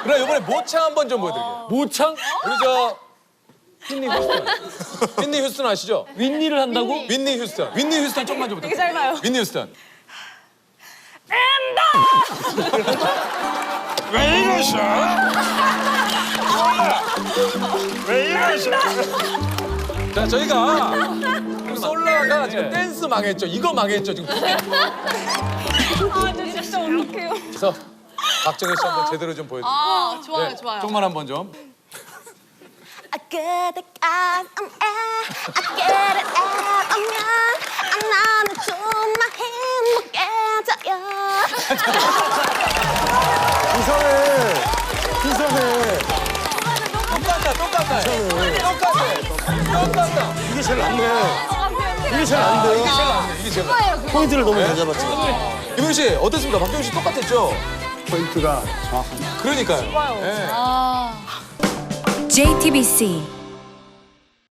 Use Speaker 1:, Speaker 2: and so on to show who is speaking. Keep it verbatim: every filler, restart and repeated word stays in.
Speaker 1: 그럼 이번에 모창 한번 좀 보여드릴게요.
Speaker 2: 모창?
Speaker 1: 우리 저 휘니 휴스턴. 휘니 휴스턴 아시죠?
Speaker 2: 윈니를 한다고?
Speaker 1: 윈니 휴스턴. 윈니 휴스턴 조금만 좀 부탁드려요.
Speaker 3: 되게 짧아요.
Speaker 1: 윈니 휴스턴.
Speaker 4: 왜 이러셔? 왜 이러셔?
Speaker 1: 자, 저희가 솔라가 지금 댄스 망했죠. 이거 망했죠, 지금.
Speaker 3: 아, 저 진짜 어떡해요.
Speaker 1: 그래서 박정희 씨 한번 제대로 좀 보여드릴게요.
Speaker 3: 아, 좋아요,
Speaker 1: 네,
Speaker 3: 좋아요.
Speaker 1: 조금만 한번 좀.
Speaker 5: I get it out, I'm at, I get it out, 오면 나는 정말 행복해져요.
Speaker 6: 이상해. 이상해.
Speaker 1: 똑같다, 똑같다. 똑같아. 똑같다.
Speaker 6: 이게 제일 낫네. 이게 제일 안 돼요.
Speaker 1: 이게 제일 낫네, 이게 제일 낫네.
Speaker 6: 포인트를 너무 잘 잡았지.
Speaker 1: 김용 씨, 어떻습니까? 박정희 씨 똑같았죠?
Speaker 6: 포인트가 정확합니다.
Speaker 1: 그러니까요. 네.
Speaker 7: 제이티비씨